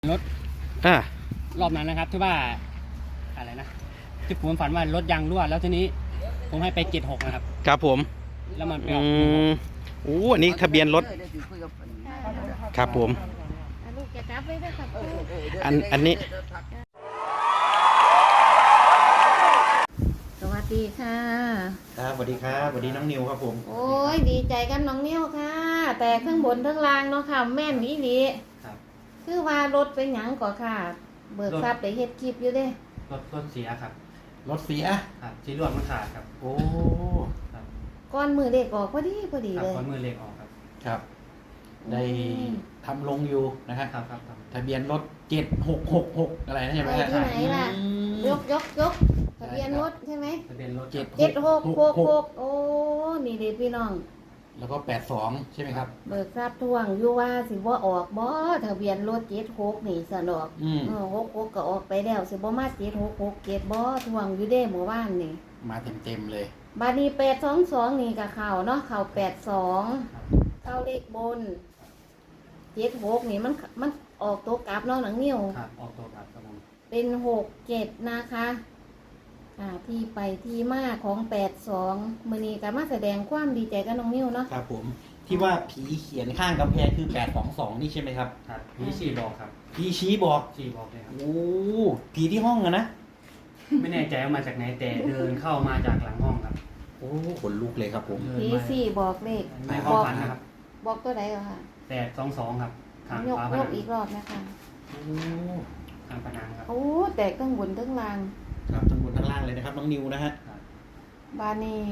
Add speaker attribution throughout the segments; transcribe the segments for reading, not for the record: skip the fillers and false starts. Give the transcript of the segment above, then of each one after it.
Speaker 1: รถ
Speaker 2: อ่าร
Speaker 1: อบนั้นนะครับที่ว่าอะไรนะที่ผมฝันว่ารถยางรั่วแล้วทีนี้ผมให้ไป76นะครับ
Speaker 2: ครับผม
Speaker 1: แล้วมันไป
Speaker 2: อื
Speaker 1: ออก
Speaker 2: มโอ้อันนี้ทะเบียนรถครับผม
Speaker 3: ลูกจะจับไว้ด้วยครับ
Speaker 2: อันนี้
Speaker 3: สวัสดีค่ะ
Speaker 2: ครับสวัสดีครับสวัสดีน้องนิวครับผม
Speaker 3: โอ้ยดีใจกันน้องเนี่ยวค่ะ แต่ข้างบนข้างล่างเนาะค่ะ แม่นอีหลี
Speaker 1: ครับ
Speaker 3: คือว่ารถเป็นหยังก่อค่ะ เบิกทรัพย์ได้เฮ็ดคลิปอยู่เด้
Speaker 1: รถเสียครับ
Speaker 2: รถเสีย
Speaker 1: ครับที่รวดมันขาดครับ
Speaker 2: โอ้
Speaker 1: ครับ
Speaker 3: ก้อนมือเด็กออกพอดี
Speaker 1: ครับ
Speaker 3: เลย
Speaker 1: ขอนมือเล็กออกครับ
Speaker 2: ครับได้ทำลงอยู่นะฮะ
Speaker 1: ครับ
Speaker 2: ทะเบียนรถ7666อะไรนะใช่ไหม
Speaker 3: ไป
Speaker 2: ฮะ
Speaker 3: ที่ไหนล่ะ
Speaker 2: อืม
Speaker 3: ยกทะเบียนรถใช่ไหม
Speaker 1: ทะเบียนรถ
Speaker 3: 7666โอ้นี่เด็กพี่น้อง
Speaker 2: แล้วก็82ใช่ไหมครับ
Speaker 3: เบิกทรัพย์ทวงอยู่ว่าสิบ่ออกบ่ทะเบียนรถ76นี่สนอก
Speaker 2: อืม
Speaker 3: 66ก็ออกไปแล้วสิบ่มา7667บ่ทวงอยู่เด้เมื่อวานนี่
Speaker 2: มาเต็มเลย
Speaker 3: บาดนี้822นี่ก็เข้าเนาะเข้า82
Speaker 1: ครับ
Speaker 3: เข้าเลขบน76นี่มันออกตัวกลับเนาะหนังนิ้ว
Speaker 1: ครับออกตัวครับผม
Speaker 3: เป็น67นะคะที่ไปที่มาของ82มื้อนี้ก็มาแสดงความดีใจกับน้องนิ้วเนาะ
Speaker 2: ครับผมที่ว่าผีเขียนข้างกำแพงคือ822นี่ใช่ไหมครับ
Speaker 1: ครับพี่ฉีบอกครับ
Speaker 2: ผีชี้บอก
Speaker 1: ฉีบอกเลยครับ
Speaker 2: โอ้ผีที่ห้องอะนะ
Speaker 1: ไม่แน่ใจว่ามาจากไหนแต่เดินเข้ามาจากหลังห้องครับ
Speaker 2: โอ้ขนลุกเลยครับผม
Speaker 1: เดิน
Speaker 3: ผี
Speaker 1: มา
Speaker 3: สี่บอกเลข
Speaker 1: ในความฝันนะครับ
Speaker 3: บอกตัวใดเหรอค่ะ
Speaker 1: 822ครับข้าง
Speaker 3: ยก
Speaker 1: ฝาผ
Speaker 3: ย
Speaker 1: นั
Speaker 3: ก
Speaker 1: ง
Speaker 3: อีกรอบนะคะ
Speaker 2: โอ้
Speaker 1: ข้างผนังครับ
Speaker 3: โอ้แต่ข้างบนข้างล่าง
Speaker 2: ครับทั้งบนทั้งล่างเลยนะครับน้องนิวนะฮะ
Speaker 1: ครับ
Speaker 3: บานี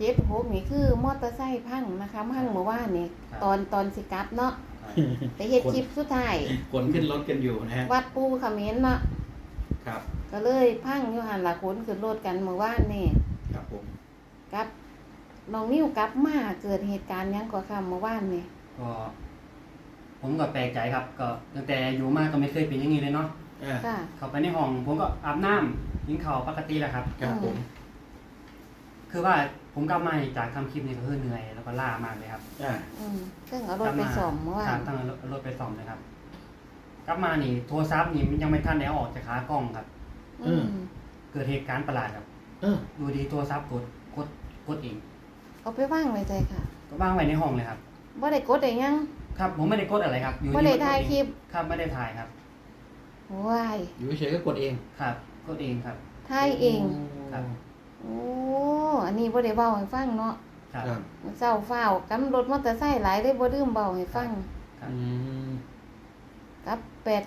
Speaker 3: 76นี่คือมอเตอร์ไซค์พังนะคะพังเมื่อวานนี่ตอนสิกลับเนาะ
Speaker 1: ครับ
Speaker 3: ไปเฮ็ดคลิปสุดท้าย
Speaker 2: ขนขึ้นรถกันอยู่นะฮะ
Speaker 3: วัดปูเขมิ้นเนาะ
Speaker 2: ครับ
Speaker 3: ก็เลยพังอยู่หันหลักขนขึ้นรถกันเมื่อวานนี่
Speaker 2: ครับผม
Speaker 3: กับน้องนิ้วกลับมาเกิดเหตุการณ์หยังก่อค่ะเมื่อวานนี่
Speaker 1: ก็ผมก็แปลกใจครับ ก็ตั้งแต่อยู่มาก็ไม่เคยเป็นอย่างนี้เลยเนาะ
Speaker 3: ค่ะ
Speaker 1: เข้าไปในห้องผมก็อาบน้ำกินข้าวปกติแหละครับ
Speaker 2: ครับผม
Speaker 1: คือว่าผมกลับมาจากทำคลิปนี้ก็คือเหนื่อยแล้วก็ล้ามากเลยครับ
Speaker 3: ซึ่งเอารถไปส่อมเมื่อวา
Speaker 1: ครั
Speaker 3: น
Speaker 1: บตั้งรถไปซ่อมเลยครับ กลับมานี่โทรศัพท์นี่มันยังไม่ทันได้เอาออกจากขากล้องครับ
Speaker 3: อืม
Speaker 1: เกิดเหตุการณ์ประหลาดครับ
Speaker 2: เออ
Speaker 1: ดูดีโทรศัพท์กดเอง
Speaker 3: เอาไปว่างไว้ใจค่ะ
Speaker 1: ก็วางไว้ในห้องเลยครับ
Speaker 3: บ่ได้กดได้ยัง
Speaker 1: ครับผมไม่ได้กดอะไรครับอยู่
Speaker 3: บ่
Speaker 1: ที่
Speaker 3: ได้
Speaker 1: มันก
Speaker 3: ถ่าย
Speaker 1: เอง
Speaker 3: คลิป
Speaker 1: ครับไม่ได้ถ่ายครับ
Speaker 3: ว้าย
Speaker 2: อยู่เฉยๆก็กดเอง
Speaker 1: ครับกดเองครับ
Speaker 3: ถ่ายเอง
Speaker 1: ครับ
Speaker 3: โอ้อันนี้บ่ได้เว้าให้ฟังเนาะ
Speaker 1: ครับ
Speaker 2: ครับ
Speaker 3: เจ้าฟ้าวกำรถมอเตอร์ไซค์หลายได้บ่ลืมเบาให้ฟัง
Speaker 1: ครับ
Speaker 2: อืม
Speaker 3: กับ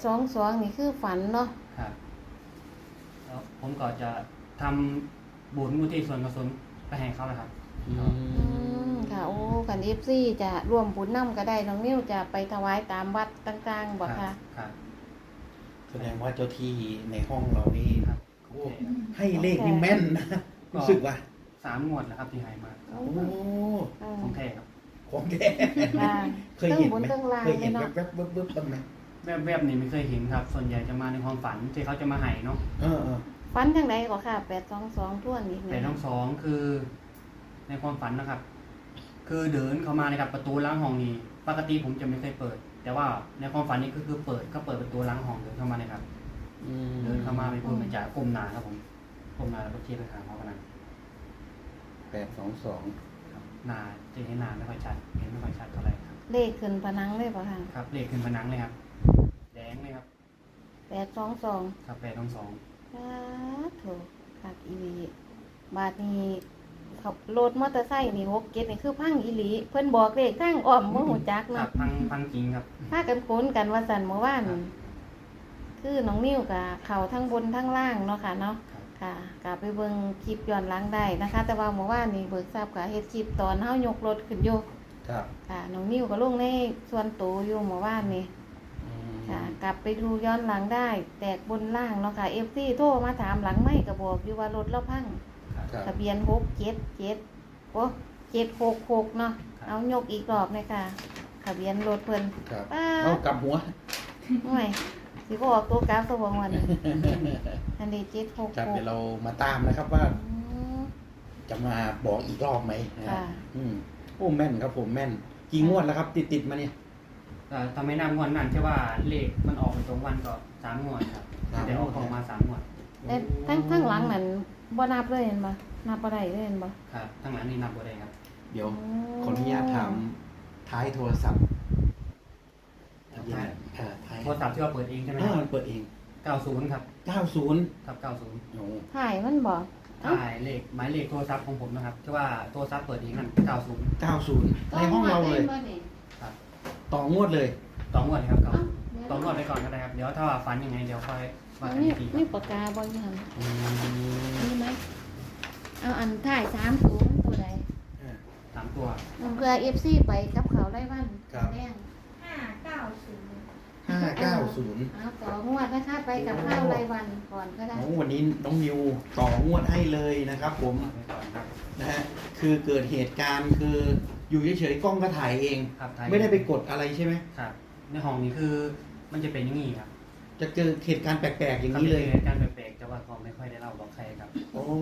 Speaker 3: 822นี่คือฝันเนาะ
Speaker 1: ครับแล้วผมก็จะทำบุญมุทิส่วนกุศลไปให้เขานะครับ
Speaker 2: อืม
Speaker 3: ค่ะโอ้คัน FC จะร่วมบุญนํก็ได้น้องนิ้วจะไปถวายตามวัดต่างๆบ่ค่ะ
Speaker 1: ครับ
Speaker 2: แสดงว่าเจ้าที่ในห้องเรานี่
Speaker 1: ครับ
Speaker 2: โอ้ให้เลขนี่แม่นนะรู้สึกว่า
Speaker 1: 3 งวดแล้วครับที่ให้มา
Speaker 3: โอ้
Speaker 2: โอ้
Speaker 1: ของแท้ครับ
Speaker 2: ของแท้
Speaker 3: ค่ะ
Speaker 2: เคยเห็น
Speaker 3: บน
Speaker 2: ไหม
Speaker 3: เครื่องราง
Speaker 2: เคยเห็น
Speaker 3: เลยเนาะ
Speaker 2: แวบๆๆๆบ้างไหม
Speaker 1: แวบๆนี่ไม่เคยเห็นครับ ส่วนใหญ่จะมาในความฝันที่เขาจะมาให้เนาะ
Speaker 2: เออ
Speaker 3: ฝันจังไดก็ค่ะ822ท่วนอีก
Speaker 1: แต่ทั้งสองคือในความฝันนะครับ คือเดินเข้ามาในกับประตูล้างห้องนี้ปกติผมจะไม่เคยเปิด แต่ว่าในความฝันนี้ก็คือเปิดก็เปิดประตูล้างห้องเดินเข้ามาเลยครับ
Speaker 2: อืม
Speaker 1: เดินเข้ามาไปพูดไปจากก้มหน้าครับผมก้มหน้าแล้วก็เทียบไปหาเขาขนาด
Speaker 2: 822
Speaker 1: ครับหน้าจะเห็นหน้าไม่ค่อยชัดเห็นไม่ค่อยชัดเท่าไหร่ครับ
Speaker 3: เลขขึ้นผนังเลยป่ะค่ะ
Speaker 1: ครับเลขขึ้นผนังเลยครับ แดงเลยครับ
Speaker 3: 822
Speaker 1: ครับ8 2 2
Speaker 3: สาธุคักอีหลีบาดนี้ขับรถมอเตอร์ไซค์นี่67นี่คือพังอีหลีเพิ่นบอกเลขทางอ้อมบ่ฮู้จัก
Speaker 1: ครั
Speaker 3: เนาะ
Speaker 1: บพังจริงครับ
Speaker 3: พากันคุ้นกันว่าซั่นเมื่อวาน
Speaker 1: ครับ
Speaker 3: คือน้องนิ้วกับเข้าทั้งบนทั้งล่างเนาะค่ะเนาะ
Speaker 1: ครับ
Speaker 3: ค่ะกลับไปเบิ่งคลิปย้อนหลังได้นะคะ แต่ว่าเมื่อวานนี่เบิกทราบกับเฮ็ดคลิปตอนเฮายกรถขึ้นอยู่
Speaker 2: ครับ
Speaker 3: ค่ะน้องนิ้วก็ลงในส่วนตัวอยู่เมื่อวานนี่
Speaker 2: อืม
Speaker 3: ค่ะ กลับไปดูย้อนหลังได้ แตกบนล่างเนาะค่ะ FC โทรมาถามหลังไม่ก็บอกอยู่ว่ารถเราพัง
Speaker 1: ครับ
Speaker 2: ครับ
Speaker 3: ทะเบียน677โอ้766เนาะ
Speaker 1: ครับ
Speaker 3: เอายกอีกรอบเลยค่ะทะเบียนรถเพิ่น
Speaker 2: ครับ
Speaker 3: ป้า
Speaker 2: เอากลับหัว
Speaker 3: ห่วยสิบ่ออกตัวกราฟตัวบ่วันนี้อันนี้
Speaker 2: ครับเดี๋ยว
Speaker 3: 766
Speaker 2: เรามาตามนะครับว่า
Speaker 3: อืม
Speaker 2: จะมาบอกอีกรอบไหมนะ
Speaker 3: ค่ะ
Speaker 2: โอ้แม่นครับผมแม่น กี่งวดแล้วครับ ติดมาเนี่ย
Speaker 1: แต่ทำให้นับงวดนั้นใช่ว่าเลขมันออกตรงวันก็3 งวดครับแต่ออกมา3 งวด
Speaker 3: แต่ทั้งหลังนั้นบ่นับเลยเห็นบ่นับบ่ได้เลยเห็นบ่
Speaker 1: ครับทั้งหลังนี่นับบ่ได้ครับ
Speaker 2: เดี๋ยวขออนุญาตถามท้ายโทรศัพท์ทะเบียนท้าย
Speaker 1: โทรศัพท์ที่ว่าเปิดเองใช่ไหม
Speaker 2: มันเปิดเอง
Speaker 1: 90ครับ
Speaker 2: 90
Speaker 1: ครับ90
Speaker 2: โอ้
Speaker 3: ถ่ายมันบ่
Speaker 1: ถ่ายเลขหมายเลขโทรศัพท์ของผมนะครับที่ว่าโทรศัพท์เปิดเองนั่น90
Speaker 2: 90ในห้องเราเลย
Speaker 1: ครับ
Speaker 2: ต่องวดเลย
Speaker 1: 2 งวดครับ2 งวดไปก่อนก็ได้ครับเดี๋ยวถ้าว่าฝันยังไงเดี๋ยวค่อยว่ากัน
Speaker 3: นี่
Speaker 1: อีกทีค
Speaker 3: นี่
Speaker 1: รับ
Speaker 3: ปากกาบ่อยู่หั่น
Speaker 2: อืม
Speaker 3: มีไหมเอาอันถ่าย30ตัวใด
Speaker 1: 3 ตัว
Speaker 3: เพื่อ FC ไปกับเขาได้วันแดง
Speaker 2: 590
Speaker 3: เอาต่องวดนะคะไปกับข้าวรายวันก่อนก็ได้
Speaker 2: โอ้วันนี้น้องนิวต่องวดให้เลยนะครับผม
Speaker 1: ไปก่อนครับ
Speaker 2: นะฮะคือเกิดเหตุการณ์คืออยู่เฉยๆกล้องก็ถ่ายเอง
Speaker 1: ครับถ่าย
Speaker 2: ไม่ได้ไปกดอะไรใช่ไหม
Speaker 1: ครับในห้องนี้คือมันจะเป็นอย่างนี้ครับ
Speaker 2: จะเจอเหตุการณ์แปลกๆอย่างนี้เลย
Speaker 1: การแปลกๆแต่ว่าก็ไม่ค่อยได้เล่าบอกใครครับ
Speaker 2: โอ้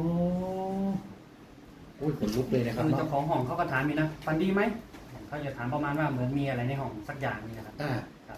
Speaker 2: ยขนลุกเลยนะครับ
Speaker 1: คือ
Speaker 2: เนาะ
Speaker 1: เจ้าของห้องเขาก็ถามมีนะฝันดีไหมเขาจะถามประมาณว่าเหมือนมีอะไรในห้องสักอย่างนี่นะครับ
Speaker 2: อ่า
Speaker 1: ครับ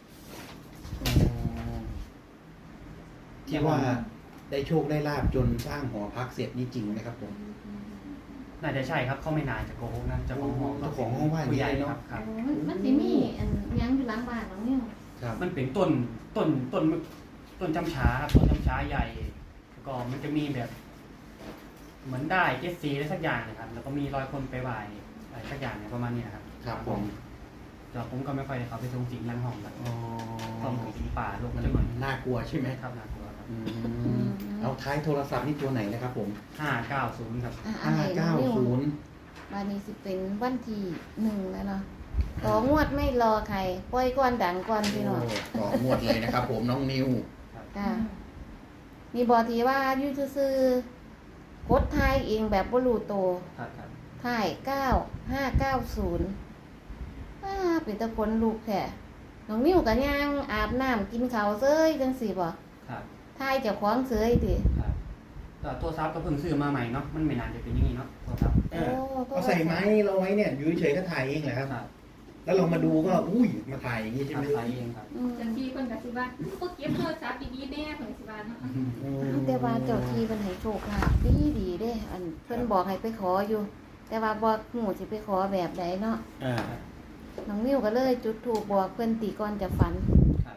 Speaker 2: ที่ว่าได้โชคได้ลาบจนสร้างหอพักเสร็จนี่จริงไหมครับผม
Speaker 1: น่าจะใช่ครับเขาไม่นานจะโกหกนะเจ้าของห้อง
Speaker 2: เจ้าของห้องว่าอย่างนี้
Speaker 1: ผู้ใหญ่
Speaker 2: เลยเนอะ
Speaker 1: ครับครับ
Speaker 3: มันสิมีอันยังอยู่หลังบ้านของนี่
Speaker 2: ครับ
Speaker 1: มันเป็นต้นจำช้าครับต้นจำช้าใหญ่แล้วก็มันจะมีแบบ เหมือนได้เจสซีอะไรสักอย่างนะครับ แล้วก็มีรอยคนไปไหว้อะไรสักอย่างเนี่ยประมาณนี้นะครับ
Speaker 2: ครับผม
Speaker 1: แต่ผมก็ไม่ค่อยได้เขาไปทรงสิงหลังห้องแบบ
Speaker 2: อ๋อ
Speaker 1: ห้องของสิงป่าลง
Speaker 2: มัน
Speaker 1: จะเหมือน
Speaker 2: น่ากลัวใช่ไหม
Speaker 1: ครับน่ากลัวครับ
Speaker 2: อืมเอาท้ายโทรศัพท์นี่ตัวไหนนะครับผม
Speaker 1: 590ครับ
Speaker 2: 590
Speaker 3: วันนี้สิเป็นวันที่1แล้วเนาะต่องวดไม่รอใครปล่อยก่อนดังก่อนพี่น้อง
Speaker 2: โอ้ต่องวดเลยนะครับผมน้องนิว
Speaker 3: ค่ะมีบอทีว่าอยู่ซื่อๆกดทายเองแบบบ่รู้โตว
Speaker 1: ครับครับ
Speaker 3: ถ่าย9590เป็นตะคนลูกแท้น้องนิ้วก็ย่างอาบน้ำกินข้าวเซ้ยจังซี่บ่
Speaker 1: ครับ
Speaker 3: ถ่ายเจ้าของเซ้ยติ
Speaker 1: ครับแต่ตัวซับก็เพิ่งซื้อมาใหม่เนาะมันไม่นานจะเป็นอย่างนี้เนาะตัวซับ
Speaker 2: เอาใส่ไม้เราไว้เนี่ยอยู่เฉยๆก็ถ่ายเองแหละครับ
Speaker 1: ครับ
Speaker 2: แล้วเรามาดูก็อุ้ยมาถ่ายอย่างนี้ใช่ไหม
Speaker 1: ทำขายเองครับ
Speaker 3: อืม
Speaker 4: จังที่คนกับสิว่าก็เก็บโทรศัพท์ดีๆแน่เพิ่นสิว่าเนาะ
Speaker 3: แต่ว่าเจ้าที่เพิ่นให้โชคลาภดีๆเด้ อันเพิ่นบอกให้ไปขออยู่ แต่ว่าบ่ฮู้สิไปขอแบบใดเนาะ
Speaker 2: อ่า
Speaker 3: น้องนิ้วก็เลยจุดธูปบอกเพิ่นติก่อนจะฝัน
Speaker 1: ครับ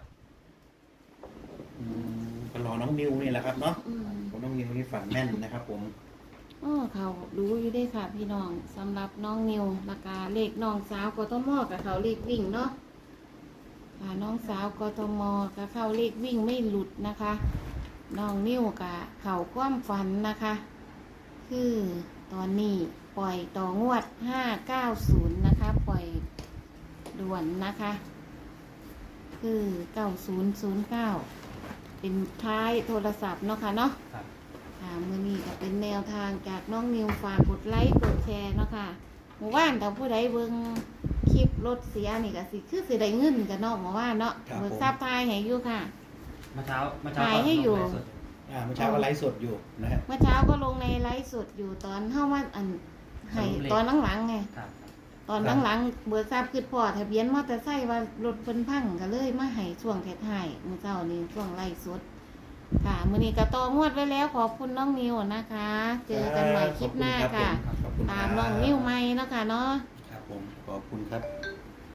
Speaker 2: ก็รอน้องนิวนี่แหละครับเนาะ
Speaker 3: อืม
Speaker 2: ผมน้องนิวนี่ฝันแม่นนะครับผม
Speaker 3: เขารู้อยู่ได้ค่ะพี่น้องสำหรับน้องนิวราคาเลขน้องสาวกทมกับเขาเลขวิ่งเนาะน้องสาวกทมกับเขาเลขวิ่งไม่หลุดนะคะ น้องนิวกับเขาความฝันนะคะ คือตอนนี้ปล่อยต่องวด590นะคะ ปล่อยด่วนนะคะ คือ9009เป็นท้ายโทรศัพท์เนาะค่ะเนาะ
Speaker 1: ครับ
Speaker 3: ค่ะมื้อนี้ก็เป็นแนวทางจากน้องนิวฝากกดไลค์กดแชร์เนาะค่ะหมู่บ้านถ้าผู้ใดเบิ่งคลิปรถเสียนี่ก็สิได้เงินกันเนาะหมู่บ้านเนาะเบิกทราบทายให้อยู่ค่ะ
Speaker 1: เมื่อเช้า
Speaker 3: ถ่ายให้อยู่
Speaker 1: ลงไลฟ์สด
Speaker 2: เมื่อเช้าก็ไลฟ์สดอยู่นะฮะ
Speaker 3: เมื่อเช้าก็ลงในไลฟ์สดอยู่ตอนเฮาว่าอันให้ตอนหลังๆไง
Speaker 1: ครับ
Speaker 3: ตอนหลังๆเบิกทราบคือพอทะเบียนมอเตอร์ไซค์ว่ารถเพิ่นพังก็เลยมาให้ช่วงท้ายๆมื้อเช้านี้ช่วงไลฟ์สดค่ะมื้อนี้ก็ต่องวดไว้แล้วขอบคุณน้องนิวนะคะ เจอกันใหม่คลิปหน้าค่ะ
Speaker 2: ขอบคุณครับ
Speaker 3: ตามน้องนิวใหม่เนาะค่ะเนาะ
Speaker 2: ครับผมขอบคุณครับ